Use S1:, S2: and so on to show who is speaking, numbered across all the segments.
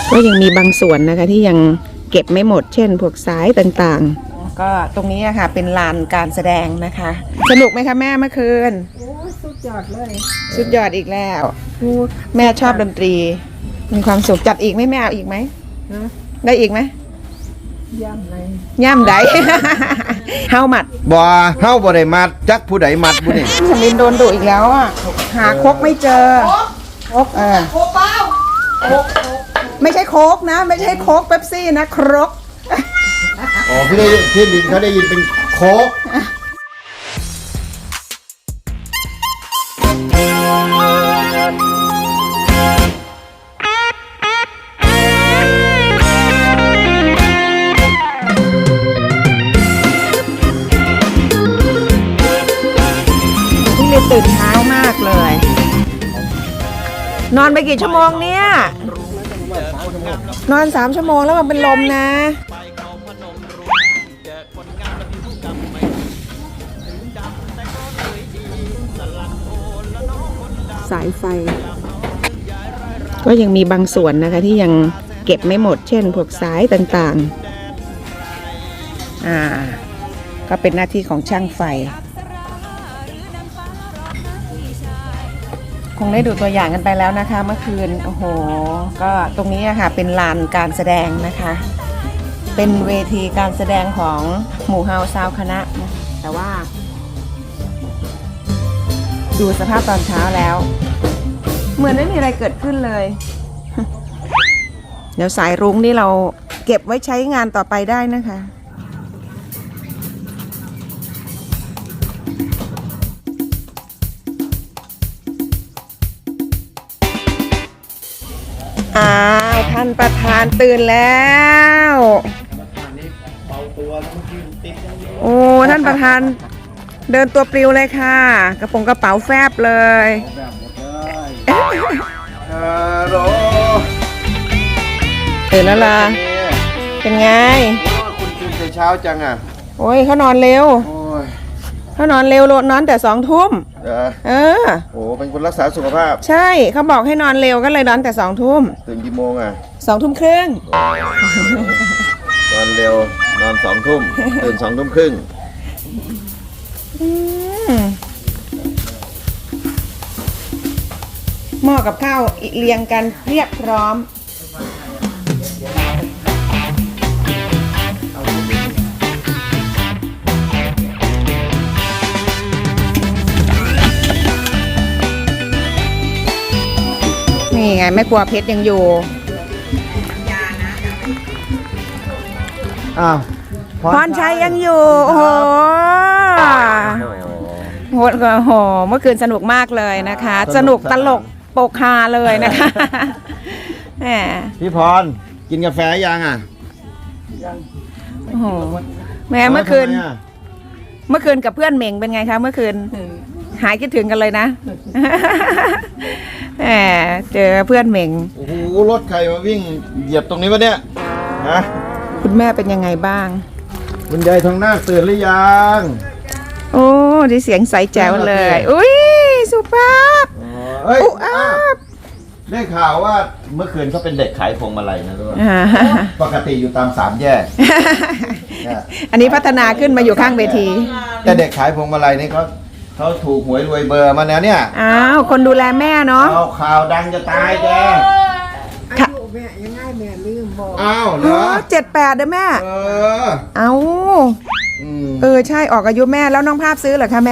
S1: ก็ยังมีบางส่วนนะคะที่ยังเก็บไม่หมดเช่นพวกสายต่างๆก็ตรงนี้ค่ะเป็นลานการแสดงนะคะสนุกไหมคะแม่เมื่อคืน
S2: โอ้สุดยอดเลย
S1: สุดยอดอีกแล้วแม่ชอบดนตรีมีความสุขจัดอีกไหมแม่เอาอีกไหมได้อีกไหม
S2: ย่ำไหน
S1: ย่ำใด เฮามัด
S3: บ่เฮาบ่ได้มัดจักผู้ใดมัดผู้นี่
S1: สมินโดนดุอีกแล้วอ่ะหาครกไม่เจอครก
S2: โคเป้า
S1: ไม่ใช่โค้กนะไม่ใช่โค้กเป๊ปซี่นะครก
S3: อ๋อพี่ลินเขาได้ยินเป็นโคก
S1: พี่เลยตื่นเช้ามากเลยนอนไปกี่ชั่วโมงเนี่ยนอน3 ชั่วโมงแล้วมันเป็นลมนะสายไฟก็ยังมีบางส่วนนะคะที่ยังเก็บไม่หมดเช่นพวกสายต่างๆก็เป็นหน้าที่ของช่างไฟคงได้ดูตัวอย่างกันไปแล้วนะคะเมื่อคืนโอ้โหก็ตรงนี้ค่ะเป็นลานการแสดงนะคะเป็นเวทีการแสดงของหมู่เฮาซาวคณะนะแต่ว่าดูสภาพตอนเช้าแล้วเหมือนไม่มีอะไรเกิดขึ้นเลย เดี๋ยวสายรุ้งนี่เราเก็บไว้ใช้งานต่อไปได้นะคะท่านประธานตื่นแล้วโอ้ท่านประธานเดินตัวปลิวเลยค่ะกระเป๋าแฟบเลยตื่นแล้วล่ะเป็นไง
S3: คุณตื่นแต่เช้าจังอ่ะ
S1: โอ้ยเขานอนเร็วเขานอนเร็วนอนแต่2 ทุ่ม
S3: โอ้เป็นคนรักษาสุขภาพ
S1: ใช่เขาบอกให้นอนเร็วก็เลยนอนแต่2 ทุ่ม
S3: ตื่นกี่โมงอ่ะ
S1: 2 ทุ่มครึ่ง
S3: นอนเร็วนอน2 ทุ่มตื่น2 ทุ่มครึ่ง
S1: หม้อกับข้าวเรียงกันเรียบพร้อมนี่ไงแม่ครัวเพชรยังอยู่พรชัยยังอยู่โอ้โหเมื่อคืนสนุกมากเลยนะคะสนุกตลกโปกฮาเลยนะคะแหม
S3: พี่พรกินกาแฟยังอ่ะ
S1: โอ้โหแม่เมื่อคืนกับเพื่อนเหม่งเป็นไงคะเมื่อคืนหายคิดถึงกันเลยนะแหมเจอเพื่อนเหม่ง
S3: โอ้โหรถใครมาวิ่งเหยียบตรงนี้วะเนี่ยฮะ
S1: คุณแม่เป็นยังไงบ้าง
S3: คุณยายทองนาคตื่นหรือยัง
S1: โอ้ดิเสียงใสแจ๋วเลยอุ้ยสุภาพ
S3: อุ๊บได้ข่าวว่าเมื่อคืนเขาเป็นเด็กขายพวงมาลัยนะด้วยปกติอยู่ตาม3 แยก
S1: อันนี้พัฒนาขึ้นมาอยู่ข้างเวที
S3: แต่เด็กขายพวงมาลัยนี่เขาถูกหวยรวยเบอร์มาแล้วเนี่ย
S1: อ้าวคนดูแลแม่เนาะ
S3: เอาข่าวดังจะตายแก
S2: อายุแม่ยังไงแม่ลืมบอก
S3: อ้าวเหรอ
S1: 78เด้อแม่เอาใช่ออกอายุแม่แล้วน้องภาพซื้อเหรอคะแม่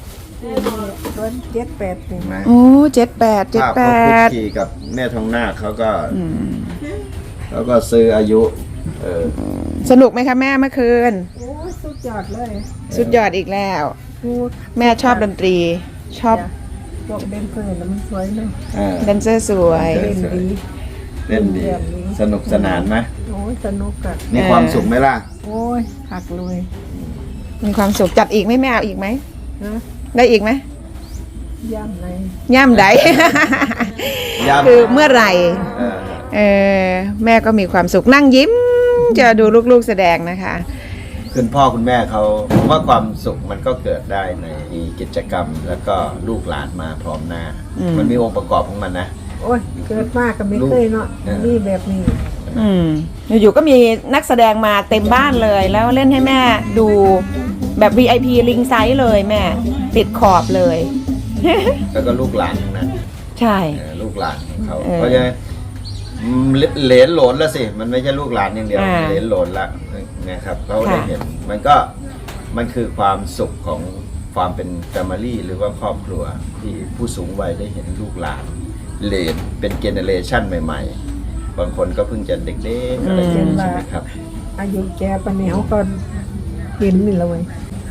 S2: 78ถึงไหม
S1: โอ้78
S3: ขี่กับแม่ทองนาคเขาก็ซื้ออายุ
S1: สนุกไหมคะแม่เมื่อคืน
S2: โอ้สุดยอดเลย
S1: สุดยอดอีกแล้วแม่ชอบดนตรีชอบ
S2: พวกเดนเซอร์มันสวยเลย
S1: แดนเซอร์สวย
S3: เล่นดีสนุกสนานไหม
S2: โอ้ยสนุกอะ
S3: มีความสุขไหมล่ะ
S2: โอ้ยหักเลย
S1: มีความสุขจัดอีกไหมแม่เอาอีกไหมได้อีกไหม
S2: ย่ำไหน
S1: ย่ำใดคือเมื่อไหร่แม่ก็มีความสุขนั่งยิ้มจะดูลูกๆแสดงนะคะ
S3: คุณพ่อคุณแม่เขาว่าความสุขมันก็เกิดได้ในกิจกรรมแล้วก็ลูกหลานมาพร้อมหน้ามันมีองค์ประกอบของมันนะ
S2: โอ้ยเกิดมากก็ไม่เคยเนาะนี่แบบนี้
S1: อยู่ๆก็มีนักแสดงมาเต็มบ้านเลย แล้วเล่นให้แม่ดูแบบ VIP ลิงไซส์เลยแม่ ติดขอบเลย
S3: แล้วก็ลูกหลานทั้งนั้น
S1: ใช่
S3: ลูกหลานของเขาเพราะฉะนั้นเหลนโหลนแล้วสิมันไม่ใช่ลูกหลานอย่างเดียวเหลนโหลนละนะครับเขาได้เห็นมันคือความสุขของความเป็นแฟมิลี่หรือว่าครอบครัวที่ผู้สูงวัยได้เห็นลูกหลานเหลนเป็นเจเนเรชันใหม่ๆบางคนก็เพิ่งจะเด็กๆอะไรอย่างนี้ใช่ไหมครับ
S2: อายุแกปะเนี่ยเขาก็เห็นนี่และเว้ย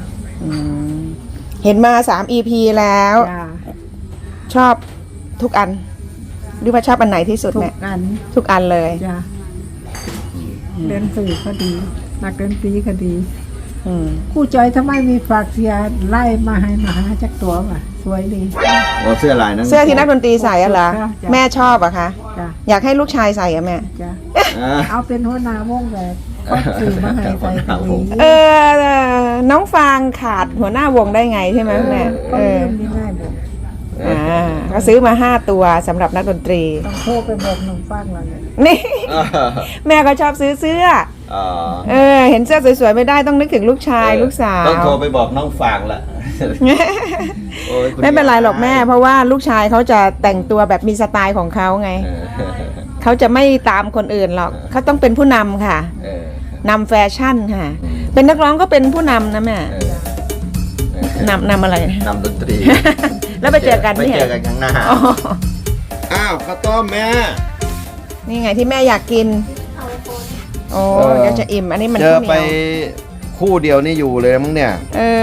S1: เห็นมา3 EP แล้ว
S2: จ้า
S1: ชอบทุกอันหรือว่าชอบอันไหนที่สุด
S2: ทุ
S1: แม่
S2: กอัน
S1: ทุกอันเลย
S2: จ้าเล่นสื่อก็ดีนักดนตรีก็ดีครู่จอยทำไมมีฝากเสียไล่มาให้มาหาจักตัวว่ะสวยดี
S3: โอ้เสื้อลายนั้น
S1: เสื้อที่นักดนตรีใส่อะเหรอ
S2: จ้ะ
S1: แม่ชอบอะคะ
S2: จ้า
S1: อยากให้ลูกชายใส่อะแม่
S2: จ้า
S3: อ่า
S2: เอาเป็นหัวหน้าวงแบบก็สื่อมาให้ใส่ก็ดี
S1: น้องฟางขาดหัวหน้าวงได้ไงใช่ไหมแม่
S2: ก็เล่นนี่ง่ายบอก
S1: ก็ซื้อมา5 ตัวสำหรับนักดนตรี
S2: ต้องโทรไปบอกน้องฟังเราเนี่ย
S1: นี่ แม่ก็ชอบซื้อเสื้อ เห็นเสื้อสวยๆไม่ได้ต้องนึกถึงลูกชายลูกสาว
S3: ต้องโทรไปบอกน้องฟางละโอ้ยคุณ
S1: ไม่เป็นไรหรอกแม่ เพราะว่าลูกชายเขาจะแต่งตัวแบบมีสไตล์ของเขาไง เขาจะไม่ตามคนอื่นหรอกเขาต้องเป็นผู้นำค่ะนำแฟชั่นค่ะ เป็นนักร้องก็เป็นผู้นำนะแม่นำอะไร
S3: นำดนตรี
S1: แล้วไปเจอกัน
S3: ไป
S1: เนี่ย
S3: เจอกันข้างหน้าอ้าวข้าวต้มแม่
S1: นี่ไงที่แม่อยากกิน โอ้เดี๋ยวจะอิ่มอันนี้มัน
S3: เจอ
S1: ข้าวเหนี
S3: ไป
S1: ยว
S3: คู่เดียวนี่อยู่เลยมั้งเนี่ย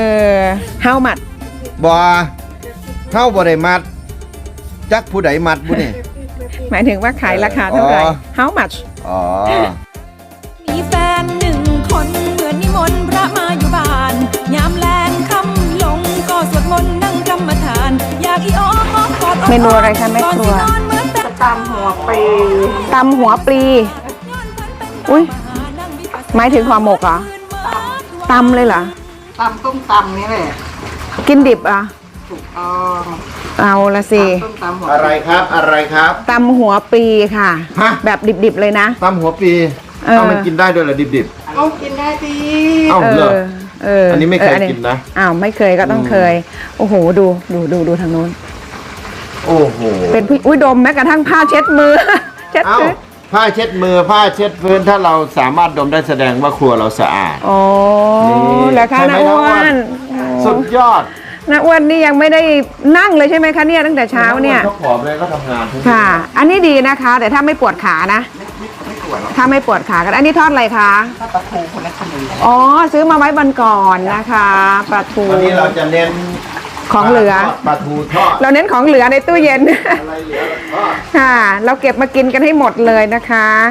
S1: how much
S3: บอเข้าบ่ได้มัดจักผู้ใดมัดบุนี่
S1: หมายถึงว่าขายราคาเท่าไหร่
S3: อ๋อ
S1: how much
S3: อ๋อ
S4: มีแฟน1 คนเหมือนนิมนต์พระมาอยู่บ้าน ยามแลงค่ำลงก็สวดมนต์นั่งกรรมฐาน อยากอีอ้อมอ้อมกอดอ้อม
S1: เมนูอะไรคะแม่ครัว
S4: ก่อนสินอนเหมือนแต่
S2: ตำหัวปี
S1: ตำหัวปลี อุ๊ย หมายถึงห่อหมกเหรอตำเลยเหรอ
S2: ตำต้มตำนี่แหละ
S1: กินดิบอ่ะ
S2: ถูกต้อง
S1: เอาละสิ
S2: ต้มตำหัว
S3: อะไรครับอะไรครับ
S1: ตำหัวปลีค่ะ
S3: ฮะ
S1: แบบดิบๆเลยนะ
S3: ตำหัวปี
S1: เออ
S3: มันกินได้ด้วยเหรอดิบ
S2: เอากินได้ดี
S3: ๆเอ้าเหรอ อันนี้ไม่เคยกินนะ
S1: อ้าวไม่เคยก็ต้องเคย โอ้โหดูทางนู้น
S3: โอ้โห
S1: เป็นผู้อุ้ยดมแม้กระทั่งผ้าเช็ดมือ เช็ด
S3: เอ้า
S1: พื้น
S3: ผ้าเช็ดมือผ้าเช็ดพื้นถ้าเราสามารถดมได้แสดงว่าครัวเราสะอาด
S1: โอ้
S3: นี่
S1: แล้วค่ะ
S3: ใช่ไหม
S1: น้าอ้ว
S3: น้าอ้วน
S1: น
S3: สุดยอด
S1: น้าอ้วนนี่ยังไม่ได้นั่งเลยใช่ไหมคะเนี่ยตั้งแต่เช้าเนี่ย
S3: เขาผอมเลยก็ทำงานทุก
S1: ค่ะ อันนี้ดีนะคะ แต่ถ้าไม่ปวดขานะ ถ้าไม่ปวดขากัน อันนี้ทอดอะไรคะทอดปลาทูคนละคำอ๋อ ซื้อมาไว้วันก่อนนะคะปลาทู
S3: วันนี้เราจะเน้น
S1: ของเหลือ
S3: ปลาทูทอด
S1: เราเน้นของเหลือในตู้เย็น
S3: อะไรเหลือเราทอด
S1: ค่ะ เราเก็บมากินกันให้หมดเลยนะคะ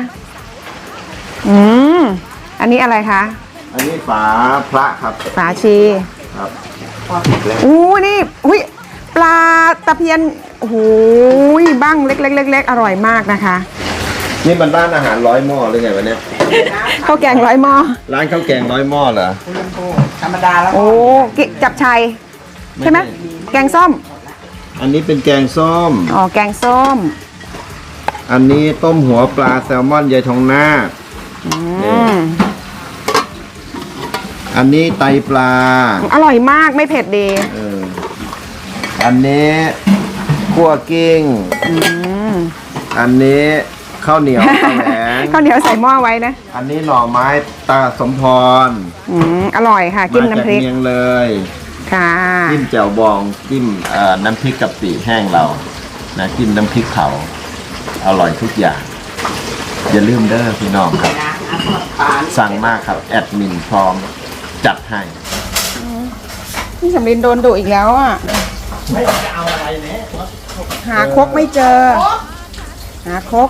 S1: อันนี้อะไรคะ
S3: อันนี้ฝาพระครับ
S1: ฝาชี
S3: ครับ
S1: อู้นี่อุ้ยปลาตะเพียนโอ้โหบ้างเล็กๆๆๆอร่อยมากนะคะ
S3: นี่มันร้านอาหาร100 หม้อหรือไงวะเนี่ย
S1: ข้าวแกงร้อยหม้อ
S3: ร้านข้าวแกง100 หม้อเหรอ
S2: ธรรมดาแล้ว
S1: โอ้จับชัยใช่ไหมแกงส้ม
S3: อันนี้เป็นแกงส้ม
S1: อ๋อแกงส้ม
S3: อันนี้ต้มหัวปลาแซลมอนยายทองนาค อันนี้ไตปลา
S1: อร่อยมากไม่เผ็ดดี
S3: อันนี้คั่วกิ้ง อันนี้ข้าวเหนียวแหวง
S1: ข้าวเหนียวใส่หม้อไว้นะ
S3: อันนี้หน่อไม้ตาสมพร
S1: อร่อยค่ะจิ้มน้ำพริก
S3: มาจากเมียงเลย
S1: ค่ะ
S3: จิ้มแจ่วบองจิ้มน้ำพริกกะปิแห้งเรานะจิ้มน้ำพริกเผาอร่อยทุกอย่างอย่าลืมเด้อพี่น้องครับ สั่งมากครับแอดมินพร้อมจัดให้
S1: พี่สำลินโดนดุอีกแล้วอ่ะหาครกไม่เจอ หาครก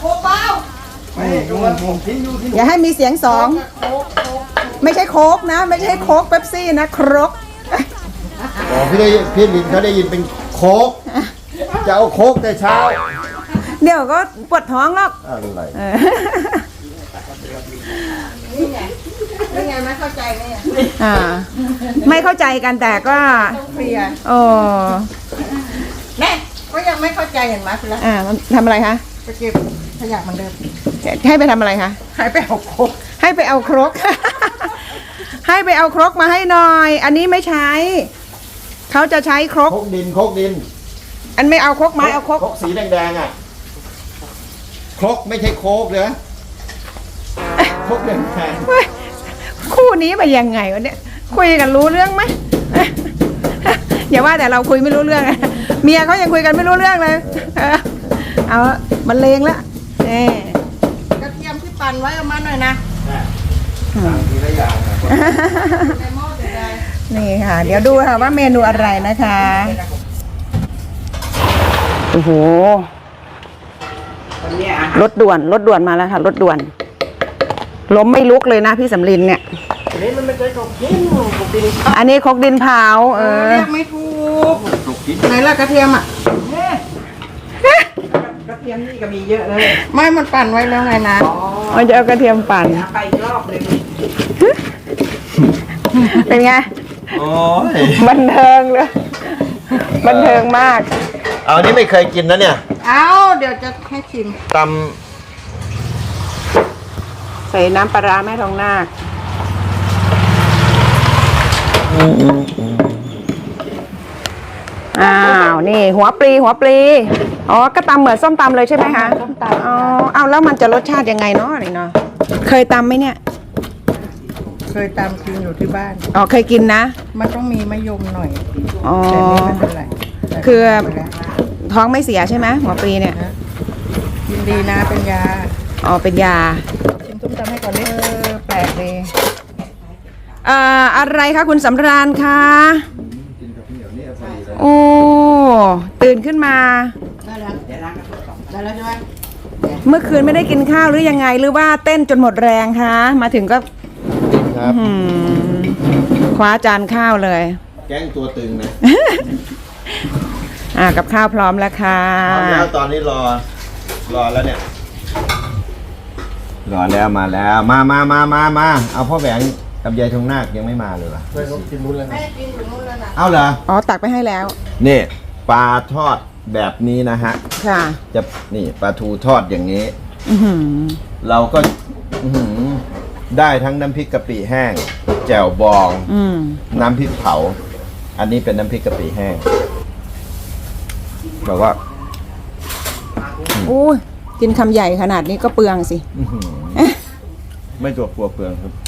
S1: อย่าให้มีเสียงสอง ไม่ใช่โคกนะ ไม่ใช่โคกเป๊ปซี่นะครก
S3: อ๋อพี่ลินเขาได้ยินเป็นโคกจะเอาโคกแต่เช้า
S1: เดี๋ยวก็ปวดท้องหรอก
S3: อะไร
S2: นี่ไงไม่เข้าใจเนี่ย
S1: ไม่เข้าใจกันแต่ก็
S2: เคลียร์
S1: โอ้
S2: แม่ก็ยังไม่เข้าใจเห็นไหมคุณละ
S1: ทำอะไรคะ
S2: จะเก็บขยะเหมือนเดิม
S1: ให้ไปทำอะไรคะ
S2: หายไปเอาโคก
S1: ให้ไปเอาครก ให้ไปเอาครกมาให้หน่อย อันนี้ไม่ใช้ เขาจะใช้ครก
S3: โคกดินโคกดิน
S1: อันไม่เอาครกไม้เอาครก
S3: โคกสีแดงๆอ่ะโคกไม่ใช่โคกเลยโคกแดง
S1: เฮ้ยคู่นี้ไปยังไงวะเนี่ย คุยกันรู้เรื่องไหม อย่าว่าแต่เราคุยไม่รู้เรื่องนะเมียเขายังคุยกันไม่รู้เรื่องเลยเอามันเลงแล้วเน่
S2: กระเทียมที่ปั่นไว้เอามาหน่อยนะ
S3: ๆทีละอย่างนะ
S2: ในหม้อเดี๋ยวได้
S1: นี่ค่ะ เดี๋ยวดูค่ะว่าเมนูอะไรนะคะโอ้โหรถด่วนมาแล้วค่ะรถด่วนล้มไม่ลุกเลยนะพี่สำลินเนี่ยอันนี้มันไม่ใช่ครกดินอันนี้ครกดินเผา
S2: เรียกไม่ถูก
S3: ถูกกิน
S2: ไหนล่ะกระเทียมอ่ะ
S1: กระเทียมนี่ก็มีเยอะเลย
S2: ไม่มันปั่นไว้แล้วไงนะ
S1: มันจะเอากระเทียมปั่น
S2: ไปอีกรอบเลย
S1: เป็นไง
S3: โอ้ย
S1: บันเทิงเลยบันเทิงมาก
S3: เอาอันนี้ไม่เคยกินนะเนี่ย
S2: เอาเดี๋ยวจะให้ชิม
S3: ต
S1: ใส่น้ำปลาร้าแม่ทองนาคอ้าวนี่หัวปลีอ๋อก็ตำเหมือนส้มตำเลยใช่ไหมคะส้มตำอ๋อเอาแล้วมันจะรสชาติยังไงเนาะนี่เนาะเคยตำไหมเนี่ย
S2: เคยตามกินอยู่ที่บ้าน
S1: อ๋อเคยกินนะ
S2: มันต้องมีมะยมหน่อย
S1: อ๋อ
S2: แต่นี่ไม่เป็นไร
S1: คือ ท้องไม่เสียใช่ไหมหัวปลีเนี่ย
S2: กินดีนะเป็นยา
S1: อ๋อเป็นยา
S2: ชิมส้มตำให้ก่อนดิ
S1: แปลกดีอะไรคะคุณสำราญคะโอ้ตื่นขึ้นมา
S2: ได้แล้วได้แล้วใช่ไหม
S1: เมื่อคืนไม่ได้กินข้าวหรือยังไงหรือว่าเต้นจนหมดแรงคะมาถึงก็
S3: ำครับ
S1: คว้าจานข้าวเลย
S3: แกงตัวตึงนะ
S1: กับข้าวพร้อมแล้วค่ะ
S3: พร้อมแล้วตอนนี้รอแล้วเนี่ย รอแล้วมาแล้วมาเอาพ่อแหวงกับยายทองนาคยังไม่มาเลยว่ะ
S2: แม่กินถึงนู้นแล้วนะ
S3: เอาเหรอ
S1: อ๋อตักไปให้แล้ว
S3: นี่ปลาทอดแบบนี้นะฮะ
S1: ค่ะ
S3: จะนี่ปลาทูทอดอย่างนี้
S1: อื้อหือ
S3: เราก็อื้อหือได้ทั้งน้ำพริกกะปิแห้ง แจ่วบอง น้ำพริกเผา อันนี้เป็นน้ำพริกกะปิแห้งบอกว่า
S1: อู้ยกินคำใหญ่ขนาดนี้ก็เปลืองสิ
S3: อื้อหือไม่ตัวกลัวเปลืองครับ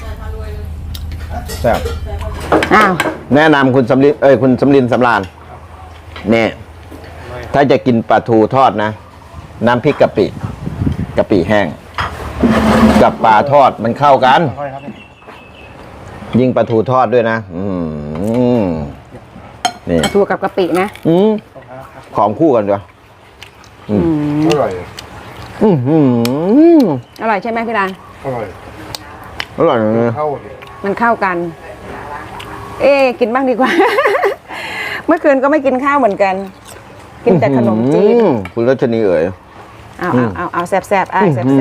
S3: แซ่บ
S1: อ้าว
S3: แนะนำคุณสำลินคุณสำลินสำราญเนี่ยถ้าจะกินปลาทูทอดนะ น้ำพริกกะปิแห้ง กับปลาทอดมันเข้ากัน ยิ่งปลาทูทอดด้วยนะนี่
S1: ปลาทูกับกะปินะ
S3: ของคู่กันด้วยอร่อย
S1: อร่อยใช่ไหมพี่ราน
S3: อร่อยเลย
S1: มันเข้ากัน กินบ้างดีกว่า เมื่อคืนก็ไม่กินข้าวเหมือนกัน กินแต่ขนมจีน
S3: คุณรัชนีเอ๋ย
S1: เอาแซ่บแซ่บ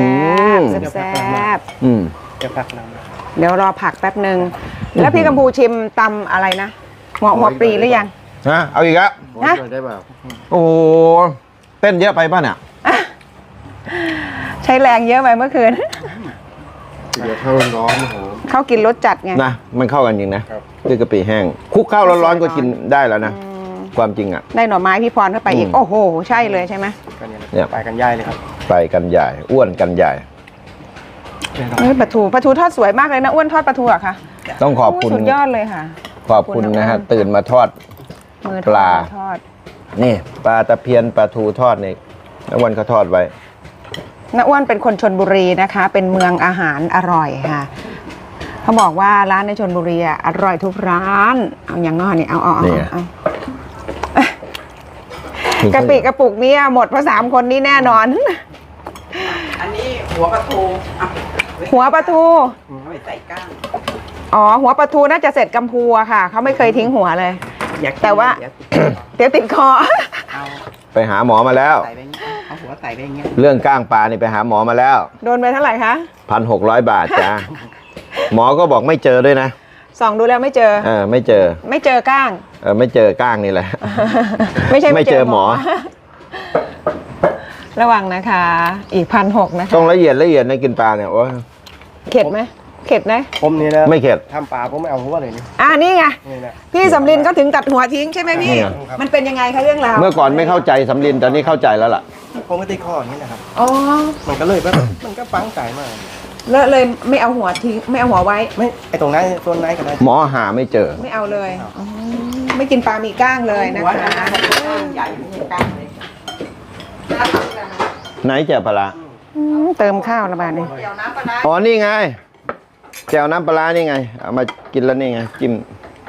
S1: เดี๋ยวรอผักแป๊บหนึ่งแล้วพี่กัมพูชิมตำอะไรนะหัวปลีหรือยัง
S3: ฮะเอาอีกแล้ว
S1: ฮะ
S3: โอ้เต้นเยอะไปป่ะเนี่ย
S1: ใช้แรงเยอะไปเมื่อคืน
S5: เดี๋ยวข้าวร้อนๆโอ้โห
S1: เขากินรสจัดไง
S3: นะมันเข้ากันจริงนะด้วยกะปิแห้งคลุกข้าวร้อนๆก็กินได้แล้วนะความจริงอ่ะ
S1: ได้หน่อไม้พี่พรเข้าไปอีกโอ้โหใช่เลยใช่ไหม
S3: เนี่ย
S5: ไปกันย่ายเลยครับ
S3: ไปกันใหญ่อ้วนกันใหญ่
S1: ปลาทูทอดสวยมากเลยนะอ้วนทอดปลาทูอะค่ะ
S3: ต้องขอบคุณ
S1: สุดยอดเลยค่ะ
S3: ขอบคุณนะฮะตื่นมาทอด
S1: มือ
S3: ปลา
S1: ทอด
S3: นี่ปลาตะเพียนปลาทูทอดนี่แล้ววันเขาทอดไว้
S1: น้าอ้วนเป็นคนชลบุรีนะคะ เป็นเมืองอาหารอร่อยค่ะเขาบอกว่าร้านในชลบุรีอะอร่อยทุกร้านเอาอย่างน้อยนี่เอากะปิกระปุกนี้หมดเพราะ3 คนนี้แน่นอน
S2: อันนี้หัวปลาทู
S1: หัวปลาทู
S2: ไม่ใส่ก้าง
S1: อ๋อหัวปลาทูน่าจะเสร็จกัมพูอะค่ะเขาไม่เคยทิ้งหัวเลย
S2: อยาก
S1: แต่ว่า เดี๋ยวติดคอ
S2: เอา
S3: ไปหาหมอมาแล้ว
S2: ใส่ไปอย่างเงี้ยเอาหัวใส่ไปอย่างเงี้ย
S3: เรื่องก้างปลานี่ไปหาหมอมาแล้ว
S1: โดนไปเท่าไหร่คะ
S3: 1,600 บาทจ้า หมอก็บอกไม่เจอด้วยนะ
S1: ส่องดูแล้วไม่เจอ
S3: ไม่เจอ
S1: ไม่เจอก้าง
S3: ไม่เจอก้างนี่แหละ
S1: ไม่ใช่
S3: ไม่เจอหมอ
S1: ระวังนะคะ อีก1,600นะคะ
S3: ต้องละเอียดในกินปลาเนี่ยโอ้ย
S1: เข็ดไหมเข็ดไหม
S5: ผมนี่นะ
S3: ไม่เข็ด
S5: ทำปลาผมไม่เอาหัวเลยนี่
S1: นี่ไง
S5: นี่นะ
S1: พี่สำลินก็ถึงตัดหัวทิ้งใช่ไหมพี่
S3: นี่ไง
S1: มันเป็นยังไงคะเรื่องราว
S3: เมื่อก่อนไม่เข้าใจสำลินตอนนี้เข้าใจแล้วล่ะ
S5: ผมก็ตีข้ออย่างนี้นะครับ
S1: อ๋อ
S5: มันก็เลยแบบมันก็ฟังใจมาก
S1: เลยไม่เอาหัวทิ้งไม่เอาหัวไว้
S5: ไม่ไอตรงนั้นต้นไหนก็ได้
S3: หมอหาไม่เจอ
S1: ไม่เอาเลยอ๋อไม่กินปลามีก้างเลยนะคะใหญ่มีก้างเลย
S3: ไหนเจอปลาร้า
S1: เติมข้าวละบาทนี่
S3: อ๋อนี่ไงแจ่วน้ำปลาร้านี่ไงเอามากินแล้วนี่ไงจิ้ม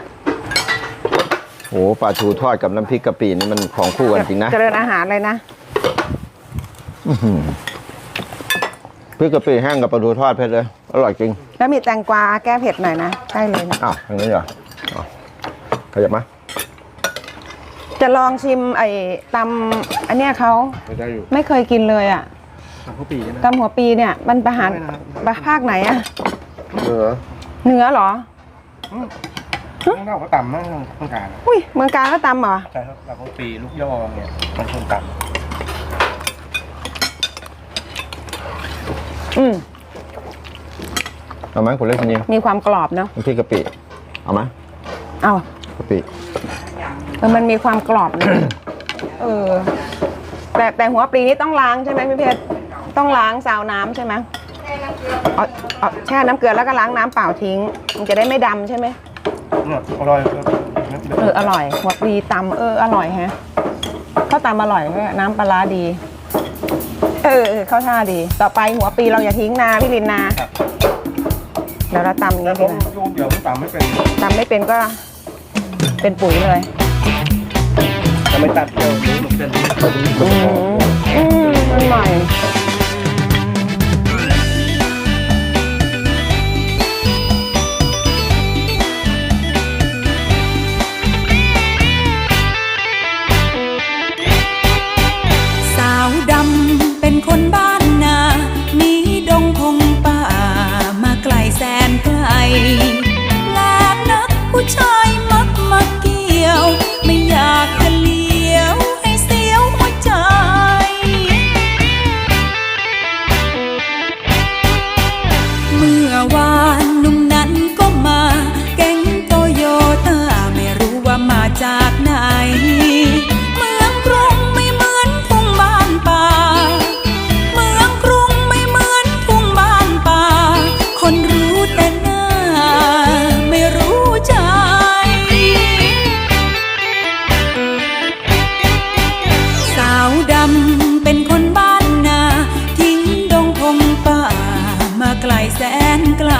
S3: โหปลาทูทอดกับน้ำพริกกะปินี่มันของคู่กันจริงนะ
S1: เจริญอาหารเลยนะ
S3: อื้อหือพริกกะปิแห้งกับปลาทูทอดเผ็ดเลยอร่อยจริง
S1: แล้วมีแตงกวาแก้เผ็ดหน่อยนะใช่เลยนะ
S3: อ้าวทางนี้เหรออ๋อขยับมา
S1: จะลองชิมไอ้ตำอันเนี้ยเขา
S5: ไม่ได้อยู่
S1: ไม่เคยกินเลยอ่ะ
S5: ทำข้าวปีนะ
S1: ตำหัวปีเนี่ยมันประหารภาคไหนอ่ะ
S5: เหนือ
S1: เหนือเหรอ
S5: ข้างนอกเขาต่ำมากข้างกลาง
S1: อุ้ยเมืองการก็ตำเหรอ
S5: ใช่ครับเราข้าวปีลูกย่อเนี่ยมันคนต่
S1: อืม
S3: เอาไหมคุณเล็กคนนี้
S1: มีความกรอบเนาะ
S3: น้ำพริกกะปิเอาไหม
S1: เอา
S3: กะปิ
S1: มันมีความกรอบนะ เออแต่หัวปลีนี่ต้องล้างใช่ไหมพี่เพชรต้องล้างซาวน้ำใช่ไหมเอาแช่น้ำเกลือแล้วก็ล้างน้ำเปล่าทิ้ง มันจะได้ไม่ดำใช่ไหม
S5: ำเนี่ยอร่อยครับ
S1: อร่อยหัวปลีตำอร่อยฮะข้าวตำอร่อยด้วยน้ำปลาร้าดี เข้าท่าดี ต่อไปหัวปลีเราอย่าทิ้งนาพี่ลินนาเดี๋ยวเราตำอย่าง
S5: แต่
S1: นี้
S5: ผ
S1: ดี
S5: ม
S1: กว่า
S5: โยนเดี๋ยวผมต่ำไม่เป็น
S1: ตำไม่เป็นก็เป็นปุ๋ยเลย
S5: จะไม่ตัดเดียวนี้มันเป็น
S1: มันใหม่
S4: สาวดำเป็นคนบ้าน